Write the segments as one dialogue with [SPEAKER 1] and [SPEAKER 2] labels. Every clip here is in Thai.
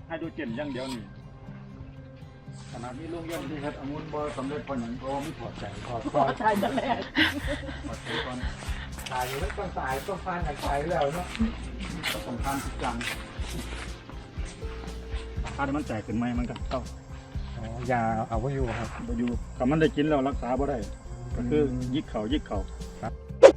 [SPEAKER 1] ให้ดูเจนอย่างเดียวนี่ขนาดนี้โรงเรียนที่เฮ็ดองุ่นบ่สำเร็จเพราะหยังเพราะไม่ถอดใจถอดก่อน
[SPEAKER 2] ตายจะแรก
[SPEAKER 1] ถอดใจก่อน
[SPEAKER 3] ตายอยู่แล้วต้องตายต้องฟันกันตายแล้วเนาะ
[SPEAKER 1] ต้องสำคัญทุกอย่างถ้ามันแตกขึ้นไหมมันก็เข้า
[SPEAKER 3] อ๋อยาเอาไว้อยู่ครับ
[SPEAKER 1] บ่อยู่ถ้ามันได้กินแล้วรักษาบ่ได้ก็คือยิกเข่า
[SPEAKER 3] ครับ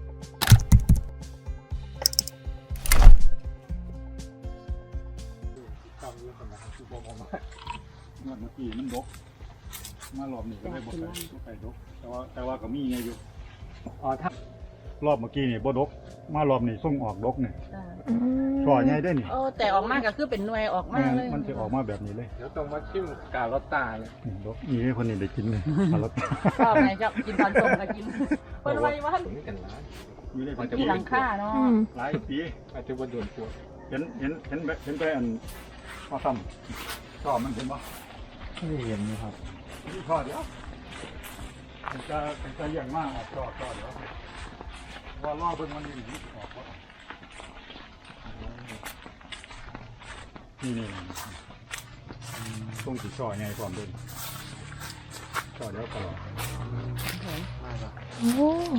[SPEAKER 1] เมื่อกี้มันดกมารอบนี้ก็ได้บ่ไปดกแต่ว่าก็มีไงอยู่
[SPEAKER 3] อ๋อถ้าร
[SPEAKER 1] อบเมื่อกี้นี่บ่ดกมารอบนี้ส่งออกดกนี่
[SPEAKER 4] อืม
[SPEAKER 1] ช่อใหญ่ได้นี่
[SPEAKER 2] โอ้แต่ออกมาก็คือเป็นหน่วยออกมาเลย
[SPEAKER 1] มันจะออกมาแบบนี้เลย
[SPEAKER 3] เดี๋ยวต้องมาชิมกาลอตตาเลย
[SPEAKER 1] นี่ดกนี่ให้คนนี้ได้กินเลยสลัด
[SPEAKER 2] ชอบไหนจะกินตอนส่งก็กินเปิดไว้ว่า
[SPEAKER 3] ถึงกันร้าน
[SPEAKER 1] อยู่ได้
[SPEAKER 2] ที่หลังคาเนาะ
[SPEAKER 4] อืม
[SPEAKER 1] หลายปี
[SPEAKER 3] อาจจะว่าโดนปวด
[SPEAKER 1] เห็นไปอันพ่อทำชอบมันเห็นปะ
[SPEAKER 3] ไม่เห็นนะครับ
[SPEAKER 1] นี่ชอบเดี๋ยวจะอย่างมากออกชอบเดี๋ยวว่าล่อเบิ่งมันนี่ออกนี่ต้องสีช่อไงความเด่นช่อเดี๋ยวตลอด
[SPEAKER 4] โอ้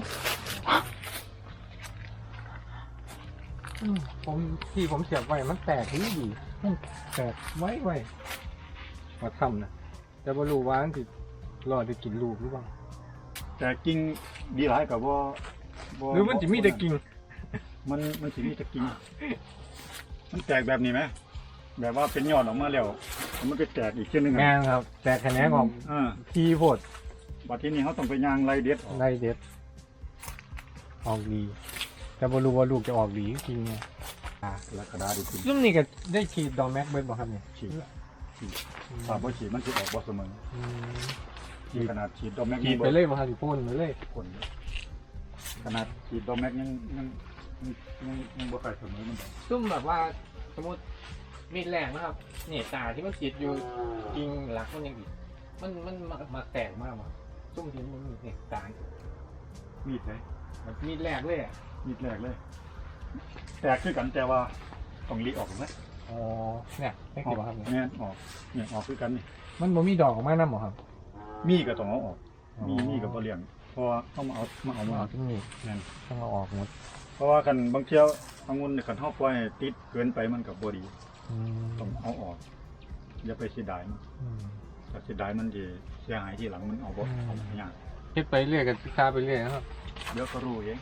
[SPEAKER 3] ผมที่ผมเสียบไว้มันแตกที่ดีมันแตกไว้มาทำนะแต่ไม่รู้ว่ามันติดรอจะกินลูกหรือเปล่า
[SPEAKER 1] แต่กิ่งดีหลายกับว่า
[SPEAKER 3] หรือมันจะมีแต่กิ่ง
[SPEAKER 1] มันจะมีแต่กิ่งมันแตกแบบนี้ไหมแบบว่าเป็นยอดออกมาแล้วมันก็แตกอีกเช่นนึง
[SPEAKER 3] งานครับ แตกแขนงออก ทีโพด
[SPEAKER 1] บัดที่นี้เขาต้องไปยางไล่เด็ดออก
[SPEAKER 3] ได้เด็ดออกดี แต่ไม่รู้ว่าลูกจะออกดีจริงไง
[SPEAKER 1] แล้วกระดาษดีขึ้น
[SPEAKER 3] รุ่นนี้ก็ได้ฉีดดอกแม็กเบิร์ดบ่ครับเนี่ย
[SPEAKER 1] ฉีดถ้าบ่ฉีดมันจะออกบ่เสมอ
[SPEAKER 3] อืม
[SPEAKER 1] ที่ขนาดฉีดดอกแม็ก
[SPEAKER 3] ฉีดไปเลยบ่ครับฉีดพ่นไปเลย
[SPEAKER 1] คนขนาดฉีดดอกแม็กยังบ่ใส่เสมอมัน
[SPEAKER 3] ซุ่มแบบว่าสมมติมีดแรงนะครับเนี่ยตาที่มันติดอยู่จริงหลักมันยังอีกมันมาแตกมากมาซุ่มที่มันมีเนี่ยตา
[SPEAKER 1] มีดไหน
[SPEAKER 3] แบบมีดแรกเลยอ่ะ
[SPEAKER 1] มีดแรกเลย แตกคือกันแต่ว่าต้องรีออกนะ
[SPEAKER 3] อ๋อเนี่ยไม่เกี่ยวครับเนี่ย
[SPEAKER 1] เนี่ยออกเนี่ยออกคือกันนี่
[SPEAKER 3] มันบ่มีดอกออกมาน้ำหรอครับ
[SPEAKER 1] มีก็ต้องเอาออกมีก็บ่เลี้ยงเพราะว่าต้องเอามา
[SPEAKER 3] ที่นี่
[SPEAKER 1] นั่น
[SPEAKER 3] ต้องเอาออกหมด
[SPEAKER 1] เพราะว่าคันบางเที่ยวองุ่นคันเฮาปล่อยให้ติดเกินไปมันก็บ่ดี
[SPEAKER 3] อืม
[SPEAKER 1] ต้องเอาออกอย่าไปเสียดายมัน
[SPEAKER 3] อืม
[SPEAKER 1] ถ้าเสียดายมันจะเสียหายทีหลังมันเอาบ่เอาไม่ยาก
[SPEAKER 3] คิดไปเรื่อยกับพิซาไปเรื่อยนะครับ
[SPEAKER 1] เดี๋ยวก็รู้เอง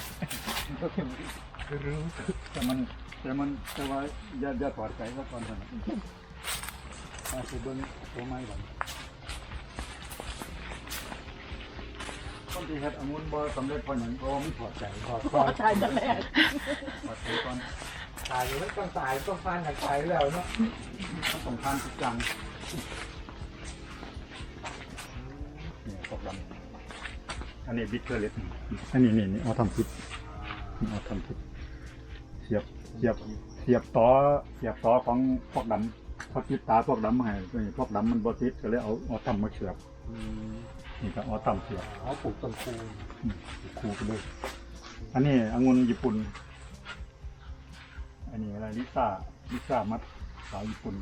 [SPEAKER 3] รู้
[SPEAKER 1] แต่ว่าอย่าถอดใจซะก่อนเถอะมาสิเบิ่งตัวไม้ก่อนคนที่เฮ็ดองุ่นบ่สำเร็จเพราะหยังเพราะว่าไม่ถอดใจถอดก่อน
[SPEAKER 2] ตายจะแรก
[SPEAKER 1] ถอดใจก่อน
[SPEAKER 3] ตายอยู่แล้วต้องตายต้องฟันกันตายแล้วเนาะ
[SPEAKER 1] ต้องสำคัญทุกอย่างนี่พวกดำอันนี้บิ๊กเกอร์เล็กอันนี้เอาทำพิษเอาทำพิษเสียบต่อของพวกดำเขาติดตาพวกดำมาให้พวกดำมันบติดก็เลยเอาทำมาเสียบนี่ก็เอาทำเสียบ
[SPEAKER 3] เขาปลูกต้นคู
[SPEAKER 1] คูไปด้วยอันนี้องุ่นญี่ปุ่นอันนี้อะไรลิซ่ามัดสาวญี่ปุ่น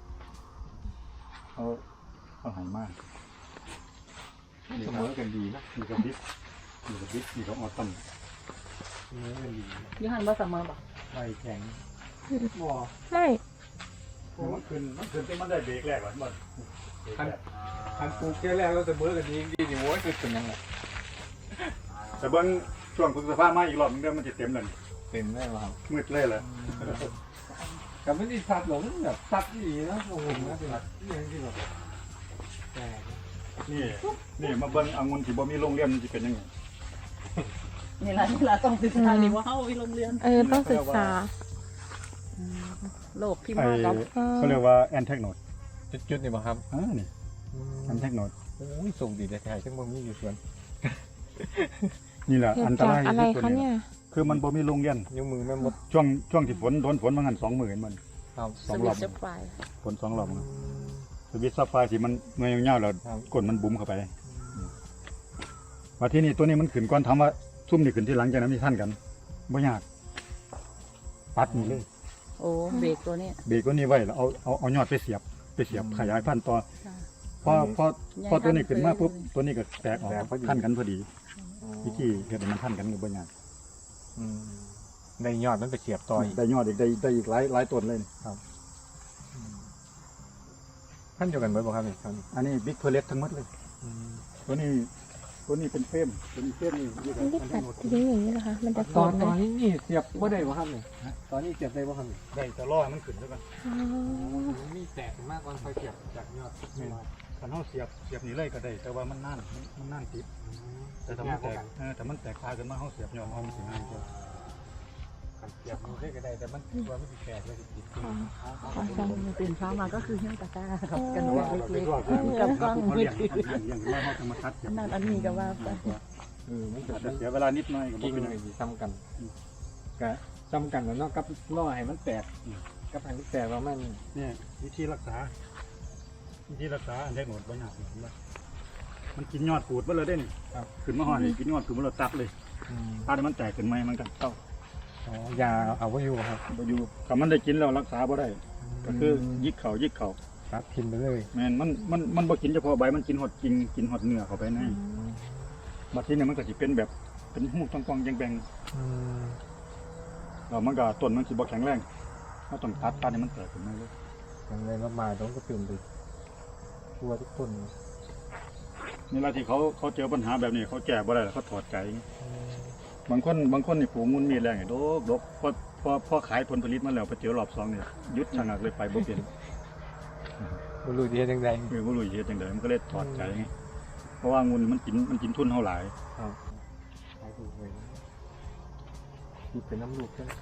[SPEAKER 1] เขาหายมาก
[SPEAKER 3] เสมอกันดีนะ
[SPEAKER 1] มีกับบิ๊กมีกับออตัม
[SPEAKER 3] เสมอกันดี
[SPEAKER 2] ยี่หันว่าเสมอป่ะ
[SPEAKER 3] ใบแข็งบ่
[SPEAKER 4] ไม่
[SPEAKER 1] มันขึ้นที่มันได้เบรกแรกหรอมัน
[SPEAKER 3] คันปลูกแค่แรกก็เสมอกันดีดีนี่โว้ยคือเป็นยังไง
[SPEAKER 1] แต่เบิ้งช่วงพฤษภามาอีกรอบนึงเดี๋ยวมันจะเต็มเลย
[SPEAKER 3] เต็มได้ป่ะครับ
[SPEAKER 1] มืดเลยแหละ
[SPEAKER 3] กับไม่ได้สัตว์หลงแบบสัตว์ดีนะโอ้โหนะเป็นอย่างที่แบบแต่
[SPEAKER 1] นี่มาเบิ้งองุ่นที่บ่มีโรงเรียนมันจะเป็นยังไง
[SPEAKER 2] นี่ละต้องศึกษาดีว่าเฮาวิโรงเรียน
[SPEAKER 4] ต้องศึกษา
[SPEAKER 2] โลกที่มากับ
[SPEAKER 1] เขาเรียกว่าแอนเทคโนด
[SPEAKER 3] จุดๆนี่ป่ะครับ
[SPEAKER 1] นี่แอนเทคโนด
[SPEAKER 3] โอ้ยส่งดีแต่ไทยทั้งบ่มีอยู่ส่วน
[SPEAKER 1] นี่แหละ
[SPEAKER 4] เกิด
[SPEAKER 1] อันต
[SPEAKER 4] จาก
[SPEAKER 1] ราย
[SPEAKER 4] อะไร
[SPEAKER 1] ที่สุด
[SPEAKER 4] คะเนี่ย
[SPEAKER 1] คือมันบ่มีโรงเรียน
[SPEAKER 3] นิ้วมือแม่มด
[SPEAKER 1] ช่วงที่ฝนโดนฝนมางัน2 มื้อมัน
[SPEAKER 3] ครับ
[SPEAKER 1] สองรอบ
[SPEAKER 2] สวิตช์ไฟ
[SPEAKER 1] ฝน2 รอบมันสวิตช์ซับไฟที่มันเงยยาวๆแล้วก้นมันบุ๋มเข้าไปว่าที่นี่ตัวนี้มันขึ้นก่อนถามว่าซุ่มนี่ขึ้นที่หลังจากนั้นมีท่านกันบ่ยากปัดนี่เลย
[SPEAKER 2] โอ้เบรกตัวนี้
[SPEAKER 1] เบรกตัวนี้ไว้แล้วเอายอดไปเสียบขยายพันธุ์ต่อ
[SPEAKER 2] ค่ะ
[SPEAKER 1] พอตัวนี้ขึ้นมาปุ๊บตัวนี้ก็แตกออกพันกันพอดีวิธีเฮ็ดให้มันพันกันก็บ่ยาก
[SPEAKER 3] ในยอดมันไปเสียบต่ออีก
[SPEAKER 1] ได้ยอดอีกได้อีกหลายต้นเลยนี่
[SPEAKER 3] พันเดียวกันเบิดบ่ครับนี่ครับ
[SPEAKER 1] อันนี้บิ๊กเพลสทั้งหมดเลยตัวนี้เป็นเฟรมเป็นเฟรมนี่อยู่
[SPEAKER 4] มันได้
[SPEAKER 1] กัน
[SPEAKER 4] ตั
[SPEAKER 1] ทั้
[SPEAKER 4] ด
[SPEAKER 1] งหมด
[SPEAKER 4] ทิ้งอย่างนี้นะคะ มันจะ
[SPEAKER 3] ต
[SPEAKER 4] ก
[SPEAKER 3] อ
[SPEAKER 4] อน ด
[SPEAKER 3] ต
[SPEAKER 4] เล
[SPEAKER 3] อน
[SPEAKER 4] ย
[SPEAKER 3] นี้นี่เสียบบ่ได้บ่ครับนี่ตอนนี้เสียบได้บ่ครับนี่
[SPEAKER 1] ได้แต่ล่อมันขึ้นแล้วกัน
[SPEAKER 4] อ๋อ
[SPEAKER 3] มันมีแตกมากกว่าไฟเสียบจากยอด
[SPEAKER 1] คันเฮาเสียบนี่เลยก็ได้แต่ว่ามันนานติดแต่ถ้ามันแตกถ้ามันแตกคาขึ้นมาเฮาเสียบยอดเอามันสิง่ายกว่า
[SPEAKER 3] เสียบมันได้ก็ได้แต่มันว่ามันสิแตกเลยสิติด
[SPEAKER 2] ตื่นเช้ามาก็คือเฮี้ยงตะกร้ากับกัน
[SPEAKER 1] แต่
[SPEAKER 2] เล็
[SPEAKER 1] ว่าเราไป
[SPEAKER 2] ก
[SPEAKER 1] รอด
[SPEAKER 2] ๆกับกล้อง
[SPEAKER 1] เขา
[SPEAKER 2] มือ
[SPEAKER 1] เลี้ยงขึ้นมาเฮาจะมาตัดเสียบ
[SPEAKER 2] นั่นอันนี้ก็ว่าไป
[SPEAKER 3] มันเกิ
[SPEAKER 1] อา
[SPEAKER 3] ด
[SPEAKER 1] จจะเสียเวลานิดหน่อยก็บ่
[SPEAKER 3] กิ่ง
[SPEAKER 1] เป็นไร
[SPEAKER 3] ไอ้ที่ซ้ำกันก็ซ้ำกันแล้วเนาะกับล่อให้มันแตกกับให้มันแตกแล้วมัน
[SPEAKER 1] เนี่ยวิธีรักษาอันได้หมดบ่ยากเห็นบ่มันกินยอดปูดบ่เลยเด้นี่ขึ้นมาฮอดนี่กินยอดขึ้นมาแล้วตัดเลยถ้ามันแตกขึ้นมามันก็เต้า
[SPEAKER 3] อ๋อยาเอาไว้อยู่ครับ
[SPEAKER 1] บ่อยู่ถ้ามันได้กินแล้วรักษาบ่ได้ ก็คือยิกเข่า
[SPEAKER 3] ตัดทิมไปเลย
[SPEAKER 1] แม่นมันบ่กินเฉพาะใบมันกินหอดกิ่งกินหอดเนื้อเข้าไปในบัดทีนี้มันก็สิเป็นแบบเป็นหูกองๆแบงๆแล้วมันก็ต้นมันสิบ่แข็งแรงเราต้องตัดให้มันแตกขึ้นมาเลย
[SPEAKER 3] อย่างไรมาต้องก็ตื่นไปทั่วทุกคน
[SPEAKER 1] นี่ล่ะที่เขาเจอปัญหาแบบนี้เขาแก้บ่ได้แล้วเขาถอดใจบางคนนี่ปลูกมุนมีแรงให้ดกพอขายผลผลิตมาแล้วไปเจอรอบ2เนี่ยหยุดชะงักเลยไปบ่เป็น
[SPEAKER 3] บรู้ดีจังใด
[SPEAKER 1] บ่รู้เฮ็ดจังไดมันก็เลยถอดใจไงเพราะว่างุนมันกินทุนเฮาหลาย
[SPEAKER 3] ขายถูกเลยคิดเป็นน้ำลูกใช่ไหม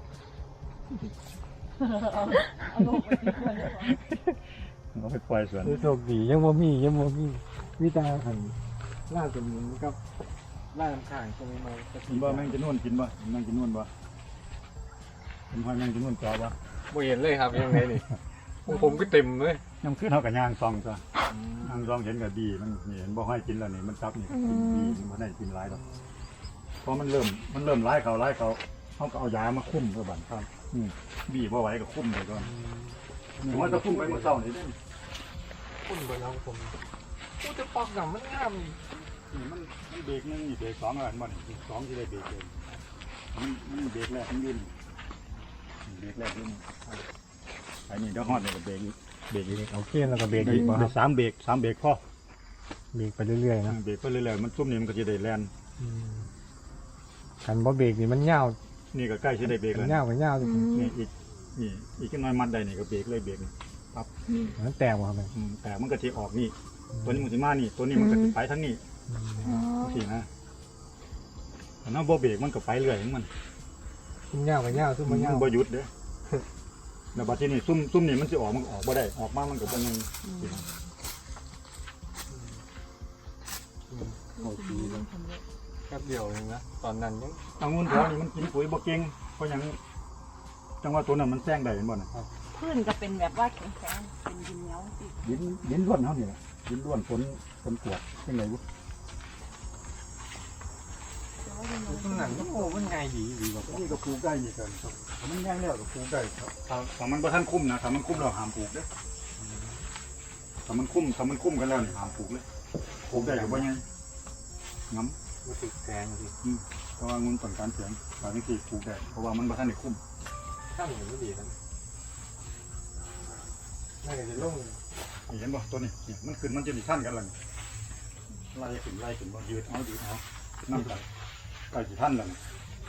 [SPEAKER 2] เอาลงไปที่คนเลย
[SPEAKER 1] เอาไปปล่อยสวน
[SPEAKER 3] โชคดียังบ่มีวิตาหันล่าสมุนกับล่าน้ำข้างใช่ไหมมา
[SPEAKER 1] กินบ่แมงจะนวนกินบ่แมงจะนวนบ่เป็นหอยแมงจะนวนจอบ่
[SPEAKER 3] บ่เห็นเลยครับยังไงนี่ผมก็เต็มเลย
[SPEAKER 1] ยามขึ้นเฮาก็ย่างซองซะย่างซองเห็นก็ดีมันนี่เห็นบ่ให้กินแล้วนี่มันซับนี่กินดีมันบ่ได้กินหลายดอกพอมันเริ่มหลายเขาเฮาก็เอายามาคุมเพื่อบั่นครับบีบ่ไหวก็คุมไปก่อนนี่ว่าจะคุมไปเมื่อเช้านี่เด้
[SPEAKER 3] คุณบนเราผมพูดจะปอกหนังมันงาม
[SPEAKER 1] นี่มันเบรกนึงนี่เบรก2แล้วบ่นี่เบรก2ที่ได้เบรกเลยมันเบรกแรกมันยืนเบรกแรกยืนไอ้นี่เดี๋ยวฮอดนี่ก็เบรกอีก
[SPEAKER 3] เบรกเอาเคียนแล้วก็เบรก
[SPEAKER 1] เบร
[SPEAKER 3] อี
[SPEAKER 1] ก
[SPEAKER 3] กบ่ครับ
[SPEAKER 1] 3เบรกพอ
[SPEAKER 3] เบรกไปเรื่อยๆนะ
[SPEAKER 1] เบรกไปเรื่อยๆมันซุ่มนี่มันก็จะได้แล่น
[SPEAKER 3] คันบ่เบรกนี่มันยาว
[SPEAKER 1] นี่ก็ใกล้จะได้เบรก
[SPEAKER 3] มั
[SPEAKER 1] แล้ว
[SPEAKER 3] นยาวก็ยาวจริง
[SPEAKER 1] นี่อีกน้อยมัดได้นี่ก็เบรกเลยเบรกนี่
[SPEAKER 3] มันแตกบ่ครับ
[SPEAKER 1] แต่มันก็จะออกนี่ตัวนี้มันสิมานี่ตัวนี้มันก็สิไปทั้งนี้
[SPEAKER 4] อ๋อ
[SPEAKER 1] สินะถ้าเราบ่เบรกมันก็ไปเรื่อยของมัน
[SPEAKER 3] ซุ่มยาวก็ยาวซุ่มบ่ยาว
[SPEAKER 1] มันบ่หยุดเด้อแล้วบัดทีนี้ซุ่มนี่มันสิออกมันก็ออกบ่ได้ออกมามันก็บ่ยังสินะโอ้ย
[SPEAKER 3] แป๊บเดียวเองนะตอนนั้นยัง
[SPEAKER 1] องุ่นแถวนี้มันกินปุ๋ยบ่เก่งเพราะหยังจังว่าตัวนั้นมันแซงได้เห็นบ่น่ะ
[SPEAKER 2] พื้นก็เป็นแบบว่าแข็งๆเป็นดินเหนียวสิ
[SPEAKER 1] ดินล้วนเฮานี่แหละดินล้วนฝนกวดจังได๋บ่
[SPEAKER 2] แต่ว่าดินเหนียว
[SPEAKER 3] ซุ่มนั้นโอ้มันง่ายดีกว่า
[SPEAKER 1] นี่ก็ปลูกได้นี่กันครับถ้ามันแห้งแล้วก็ปลูกได้ครับถ้ามันบ่ทันคุ้มนะถ้ามันคุ้มแล้วห้ามปลูกเด้อถ้ามันคุ้มกันแล้วนี่ห้ามปลูกเลยปลูกได้ก็บ่ยังงำ
[SPEAKER 3] มันติดแกงสิ
[SPEAKER 1] เพราะว่างุ่นต้นการเสียงบางทีปลูกได้เพราะว่ามันบ่ทันได้คุ้ม
[SPEAKER 3] ถ้ามันไม่ดีนะน่าจะลง
[SPEAKER 1] นี่เห็นบ่ตัวนี้นี่มันขึ้นมันจะสิทันกันแล้วนี่ไล่ขึ้นบ่ยืดเอานำไปใกล้สิทันแล้วนี่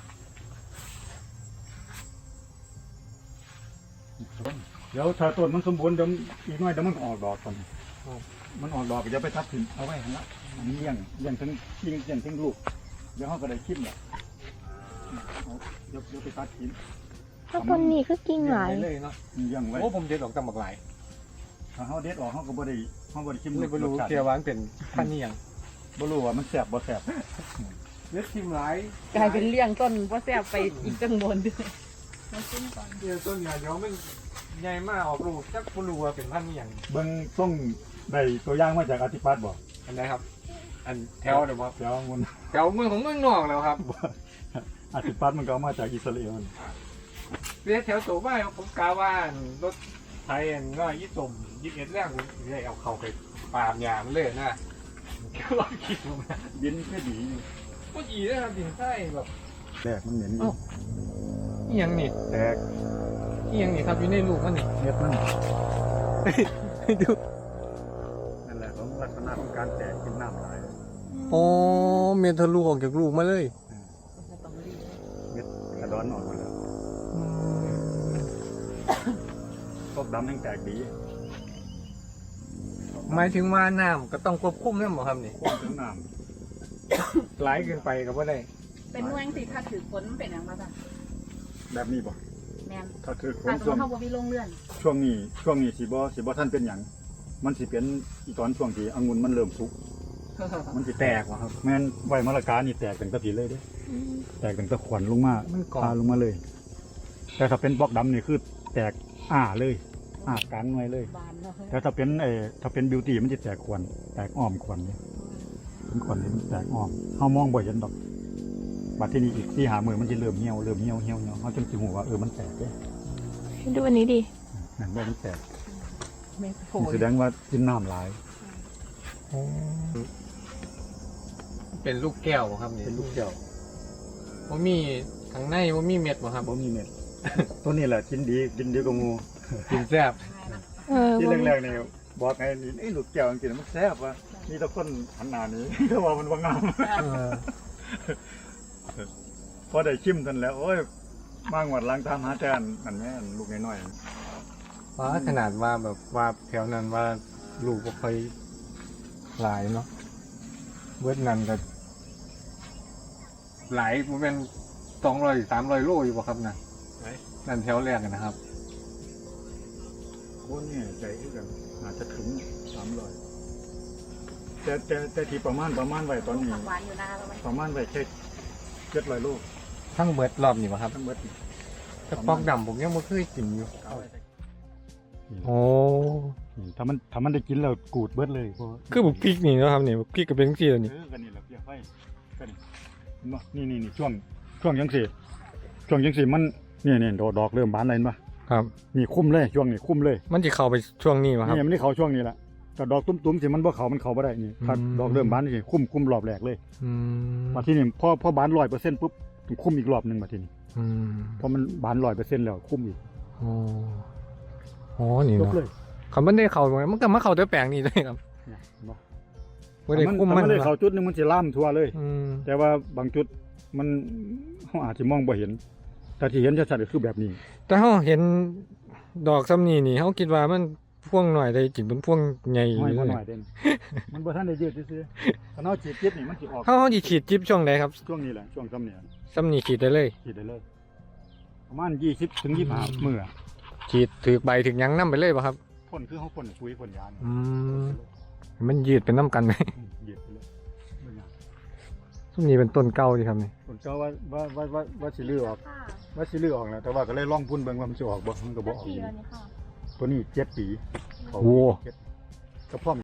[SPEAKER 1] เดี๋ยวถ้าต้นมันสมบูรณ์เดี๋ยวอีกหน่อยเดี๋ยวมันก็ออกดอกก่อนมันออกดอกก็จะไปทับถิ่นเอาไว้หั่นละอันนี้เลี้ยงถึงกิ่งเลี้ยงถึงลูกเดี๋ยวเฮาก็ได้คิดแหละเอาเดี๋ยวไปตัดทิ้ง
[SPEAKER 4] ถ้าคนนี้คือกิ่งหลาย
[SPEAKER 3] เลยเนาะ
[SPEAKER 1] เลี้ยงไว้
[SPEAKER 3] โอ้ผมเด็ดออกตำบักหลาย
[SPEAKER 1] ถ้าเฮาเด็ดออกเฮาก็บ่ได้ชิม
[SPEAKER 3] ไม่รู้
[SPEAKER 1] รสชาติ
[SPEAKER 3] เกียวหวานเป็นพันนี่ยัง
[SPEAKER 1] บ่รู้ว่ามันแซ่บบ่แซ่บ
[SPEAKER 3] เล็ดทิมหลาย
[SPEAKER 2] กลายเป็นเลี้ยงต้นว่าแซ่บไปอีกตั้งบนด้วยมาขึ้นก่อน
[SPEAKER 3] เดี๋ยวต้นเนี่ยเดี๋ยวมันใหญ่มากออกลูกจักบ่รู้ว่าเป็นพันนี่ยัง
[SPEAKER 1] เบิ่งส่งได้ตัวอย่างมาจากอธิปัตย์บ่
[SPEAKER 3] อันไหนครับ อันแถวเดี๋ยวว่า
[SPEAKER 1] เดี๋ยวมัน
[SPEAKER 3] แถวเมืองของเมืองนอกแล้วครับ
[SPEAKER 1] อธิปัตย์มันก็เอามาจากอิสราเอลนี่
[SPEAKER 3] เรียกแถวโสบ้านผมกาว่ารถไทยก็ยี่สม21แรกผมเลยเอาเข้าไปปาล์มยางเลยนะก็ลองคิดดูนะ
[SPEAKER 1] ดินแค่ดีอยู่
[SPEAKER 3] ก็ดีนะครับดินใต้แบบ
[SPEAKER 1] แรกมันเหม็นอยู่
[SPEAKER 3] เอียงนี่
[SPEAKER 1] แตก
[SPEAKER 3] เอียงนี่ครับอยู่ในลูกมันนี่
[SPEAKER 1] เม็ดมัน
[SPEAKER 3] ดู
[SPEAKER 1] นั่นแหละของลักษณะของการแตกกินน้ำหลาย
[SPEAKER 3] โอ้เมทะลุออกจากลูกมาเลย
[SPEAKER 2] ต้องรีบ
[SPEAKER 1] เม็ดกระดอนออกมาแล้วพวกดำยังแตกดี
[SPEAKER 3] หมายถึงว่าน้ำก็ต้องควบคุมนั่นหรอครับนี่
[SPEAKER 1] พวกถึงน้
[SPEAKER 3] ไหลเกินไปก็บ่ได้
[SPEAKER 2] เป็นเมืองสิถ้าถือฝนมันเป็นอย่างไรจ้ะ
[SPEAKER 1] ำแบบนี้บ่
[SPEAKER 2] แมน
[SPEAKER 1] ถ้าคือค
[SPEAKER 2] ถ้าน สมม
[SPEAKER 1] ช่วง
[SPEAKER 2] ติเขาบ่มีโรงเรือน
[SPEAKER 1] ช่วงนี้สิบ่ท่านเป็นหยังมันสิเป็นอีตอนช่วงที่องุ่นมันเริ่มสุกมันสิแตกว่ะครับแม่นไว้มะละกานี่แตกเป็นตะผีเลยเด้แตกเป็นตะขวัญลงมา
[SPEAKER 3] มันก่อ
[SPEAKER 1] พานลงมาเลย แต่ถ้าเป็นบล็อกดำนี่คือแตกเลยกลางหน่วยเลย
[SPEAKER 2] บานเนาะ
[SPEAKER 1] แต่ถ้าเป็นบิวตี้มันจะแตกขวัญแตกอ้อมขวัญเนี่ยเป็นขวัญนี่มันแตกอ้อมเฮามองบ่เห็นดอกบัดที่นี่อีกที่หามือมันจะเริ่มเหี่ยวเฮาจึงสิฮู้ว่ามันแตกเด้
[SPEAKER 4] ดูอันนี้ดิ
[SPEAKER 1] นั่นบ่มันแตก
[SPEAKER 2] ไม่โผ
[SPEAKER 1] นี่แสดงว่ากินน้ำหลาย
[SPEAKER 3] เป็นลูกแก้วบ่ครับนี่
[SPEAKER 1] เป็นลูกแก้ว
[SPEAKER 3] ว่ามีข้างในว่ามีเม็ดบ่ครับ
[SPEAKER 1] บ่มีเม็ด ตัวนี้แหละกินดีกว่างู
[SPEAKER 3] กินแซ่บ
[SPEAKER 1] ที่แรกๆนี่บอกไงนี่ไอ้ลูกแก้วจริงๆมันแซ่บว่ะมีแต่คนหันหน้าหนี้ ก็ว่ามันบ่งาม พอได้ชิมทันแล้วโอ้ยมางวดล้างตามหาแต่นั่นแม่นลูกน้อยๆ
[SPEAKER 3] ว่าขนาดว่าแบบว่าแถวนั้นว่าลูกบ่ค่อยหลายเนาะเบิดนั้นก็หลายบ่แม่น200-300 โลอยู่บ่ครับนะ
[SPEAKER 1] ไหน
[SPEAKER 3] นั่นแถวแรกอะนะครับ
[SPEAKER 1] โอ้เนี่ยใจคือกันอาจจะถึง300แต่ที่ประมาณไว้ตอนนี้
[SPEAKER 2] ผักหวานอยู่นาแล้วมัน
[SPEAKER 1] ประมาณไว้แค่700 ลูก
[SPEAKER 3] ทั้งเบิดรอบนี่บ่ครับ
[SPEAKER 1] ทั้งเบิดนี่
[SPEAKER 3] แต่ปอกดำผมยังบ่เคยกินอยู่
[SPEAKER 1] เอาไว้ใส่
[SPEAKER 3] โอ้
[SPEAKER 1] นี่ถ้ามันได้กินแล้วกูดเบิดเลยเพราะ
[SPEAKER 3] คือบุกพริกนี่เนาะครับนี่บุกพริกก็เป็นจังซี่แล้วนี่
[SPEAKER 1] กันนี่แหละเปียกไฟกันนี่เห็นบ่นี่ช่วงจังซี่มันนี่ดอกเริ่มบานแล้วเห็นบ่
[SPEAKER 3] ครับ
[SPEAKER 1] นี่คุ้มเลยช่วงนี้คุ้มเลย
[SPEAKER 3] มันสิเข้าไปช่วงนี้บ่ครับ
[SPEAKER 1] นี่มันได้เข้าช่วงนี้แหละแต่ดอกตุ้มๆสิมันบ่เข้าบ่ได้นี่ถ้า
[SPEAKER 3] อืม
[SPEAKER 1] ดอกเริ่มบานนี่คุ้มรอบแรกเลย
[SPEAKER 3] อืม
[SPEAKER 1] มาที่นี่พอบาน 100% ปุ๊บต้องคุ้มอีกรอบหนึงมาที่นี่
[SPEAKER 3] อืม
[SPEAKER 1] เพราะมันบาน 100% แล้วคุ้มอีก
[SPEAKER 3] อ๋ออ๋อนี่
[SPEAKER 1] จบ
[SPEAKER 3] เนาะ
[SPEAKER 1] เลย
[SPEAKER 3] เขามันได้เข้ามันก็มาเข้าแต่แปลงนี่เลยครับ
[SPEAKER 1] เนี่ยเห็นบ่
[SPEAKER 3] บ่ได้คุมมัน
[SPEAKER 1] ถ้าได้เข้าจุดหนึงมันสิล่ามทั่วเลย
[SPEAKER 3] อืม
[SPEAKER 1] แต่ว่าบางจุดมันเฮาอาจสิมองบ่เห็น แต่ที่เห็นชัดๆก็คือแบบนี้
[SPEAKER 3] แต่เฮาเห็นดอกซ้ำนี่นี่เฮาคิดว่ามันพ่วงหน่อยได้จริงเป็นพ่วงใหญ่
[SPEAKER 1] ห้อย
[SPEAKER 3] เล
[SPEAKER 1] บ่
[SPEAKER 3] ย
[SPEAKER 1] หน่อยเด่น มันบ่ทันได้ยืดซื่อๆถ้าเฮาฉีดจิตนี่มันสิออก
[SPEAKER 3] เฮาสิฉีดจิ๊บช่วงใดครับ
[SPEAKER 1] ช่วงนี้แหละช่วงซ้ำเนี่ย
[SPEAKER 3] ซ้ำนี่ฉีดได้เลย
[SPEAKER 1] ฉีดได้เลย ประมาณ20ถึง25มื้อ
[SPEAKER 3] ฉีดถึกใบถึกหยังนํไปเลยบ่ครับ
[SPEAKER 1] พ่นคือเฮาพ่นปุ๋ยพ่นยานี่
[SPEAKER 3] อืมมันยืดเป็นน้ำกันไหม
[SPEAKER 1] ยืดไปเลยบ่ยาก
[SPEAKER 3] ซุมนี้เป็นต้นเก่าดีครับนี่
[SPEAKER 1] ผมก็ว่าสิลื้อออก
[SPEAKER 2] ค่ะ
[SPEAKER 1] ว่าสิลื้อออกแล้วแต่ว่าก็เลยลองพุ่นเบิ่งว่ามันสิออกบ่มันก็บ่ออก
[SPEAKER 2] กี่
[SPEAKER 1] อยู่
[SPEAKER 2] เดือนนี่ค่ะ
[SPEAKER 1] ตัวนี้7 ปีเขา
[SPEAKER 3] โอ้
[SPEAKER 1] 7ก็พร้อม